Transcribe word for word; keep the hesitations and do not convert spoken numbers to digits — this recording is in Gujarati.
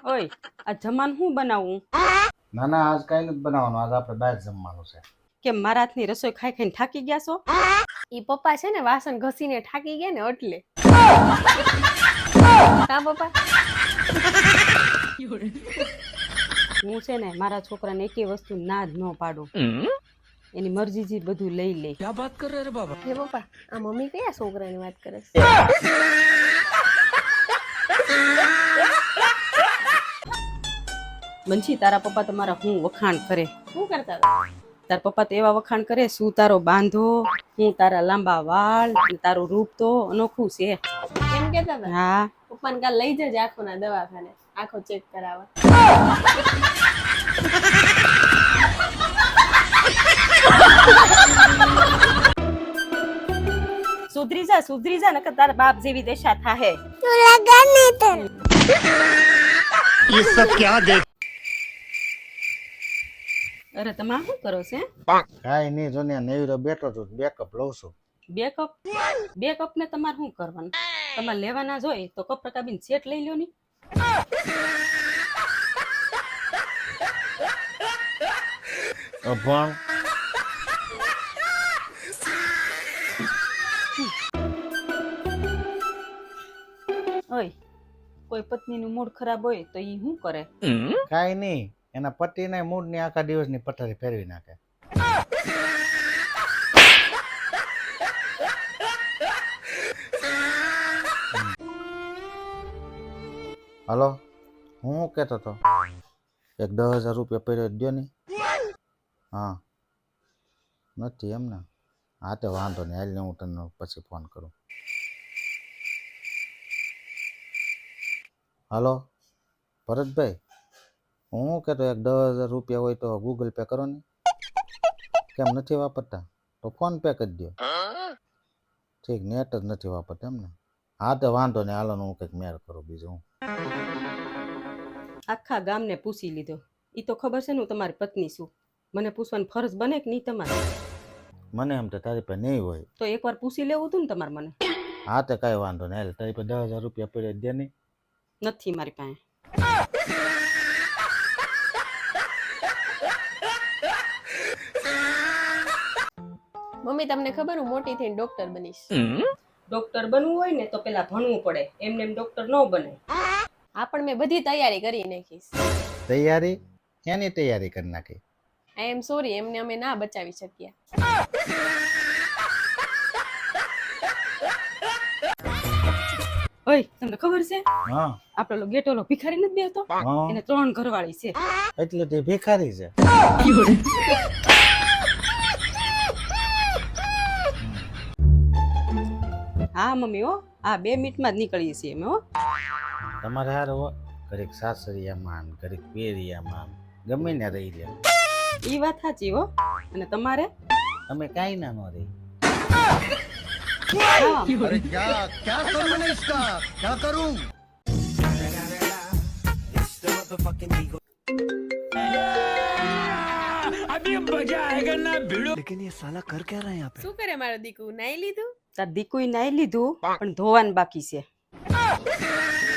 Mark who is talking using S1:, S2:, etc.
S1: ઓય આ જમાન હું બનાવું?
S2: ના ના આજ કઈ નથી બનાવવાનું, આજ આપણે બહાર જમવાનું છે.
S1: કે મારા હાથની રસોઈ ખાઈ ખાઈને થાકી ગયા છો?
S3: ઈ પપ્પા છે ને વાસણ ઘસીને થાકી ગયા ને એટલે. કા પપ્પા?
S1: હું છે ને મારા છોકરાને એકેય વસ્તુ ના જ ન પાડું, એની મરજીથી બધું લઈ લે.
S4: क्या बात कर रहे रे बाबा?
S3: હે પપ્પા, આ મમ્મી કયા છોકરાની વાત કરે છે?
S1: બંછી તારા પપ્પા તમારા હું વખાણ કરે.
S3: શું કરતા હતા?
S1: તારા પપ્પા તો એવા વખાણ કરે, શું તારો બાંધો, હું તારા લાંબા વાળ, અને તારું રૂપ તો અનોખું છે.
S3: એમ કેતા હતા?
S1: હા
S3: પપ્પાને કાલ લઈ જજે આંખોના દવાખાને, આંખો ચેક કરાવવા.
S1: સુધરી જા સુધરી જા, નકર તારા બાપ જેવી દશા થાહે.
S4: ये सब क्या देख
S1: અરે તમે શું કરો છે?
S2: કાંઈ નહીં, જો ને નેવીરો બેઠો છું, બેકઅપ લઉં છું.
S1: બે કપ બે કપ ને તમારે શું કરવાનું? તમારે લેવાના જ હોય તો કપ રકાબીને સેટ લઈ લ્યો ની.
S2: અભણ
S1: ઓય કોઈ પત્નીનું મૂડ ખરાબ હોય તો ઈ શું કરે?
S2: કાંઈ નહીં, એના પતિને મૂડની આખા દિવસની પથારી ફેરવી નાખે. હલો, હું શું કહેતો હતો? એક દસ હજાર રૂપિયા પહેર્યો દો ને. હા નથી એમ ને? હા તો વાંધો નહીં, હાલ હું તને પછી ફોન કરું. હલો ભરતભાઈ, હું શું કહેતો, એક દસ હજાર રૂપિયા હોય તો ગૂગલ પે કરો ને. કેમ નથી વાપરતા? તો ફોન પે કરી દો. ઠીક, નેટ જ નથી વાપરતા એમ ને? હા તો વાંધો નહીં, હાલો હું કંઈક મેળ કરું બીજું. હું
S1: આખા ગામને પૂછી લીધો, ઈ તો ખબર છે ને હું તમારી પત્ની છું, મને પૂછવાની ફરજ બને કે નહીં તમારે?
S2: મને એમ તો તારી પાસે નહીં હોય.
S1: તો એકવાર પૂછી લેવું હતું ને તમારે મને.
S2: હા તો કાંઈ વાંધો નહીં, હાલ તારી પાસે દસ હજાર રૂપિયા પડ્યા દે નહીં.
S1: નથી મારી પાસે.
S3: મમ્મી તમને ખબર હું મોટી થઈને ડોક્ટર બનીશ.
S1: ડોક્ટર બનવું હોય ને તો પેલા ભણવું પડે, એમને એમ ડોક્ટર ન બને.
S3: આ પણ મેં બધી તૈયારી કરી નાખીશ.
S2: તૈયારી? ક્યાંની તૈયારી કરી નાખી?
S3: આઈ એમ સોરી, એમને અમે ના બચાવી શક્યા.
S1: ઓય તમને ખબર છે
S2: હા
S1: આપણો ઓલો ગેટોલો ભિખારી નથી બેહતો,
S2: હા
S1: એને ત્રણ ઘરવાળી છે.
S2: એટલે તે ભિખારી છે.
S1: હા મમ્મી હો, હા બે મિનિટમાં જ નીકળીએ છીએ અમે હો.
S2: તમારે હાર હો, ઘડીક સાસરિયામાં ને ઘડીક પેરિયામાં ગમે ને રહી લે.
S1: ઈ વાત સાચી હો. અને તમારે?
S2: તમે કાંઈ ના ન રહી.
S1: હા.
S4: अरे क्या क्या करूं मैं इसका क्या करूं? अभी मजा आएगा ना भिड़ो. लेकिन ये साला कर क्या रहा है यहाँ पे?
S3: શું કરે મારો દીકુ, નાઈ લીધું?
S1: તાર દીકુઈ નાઈ લીધું પણ ધોવાનું બાકી છે.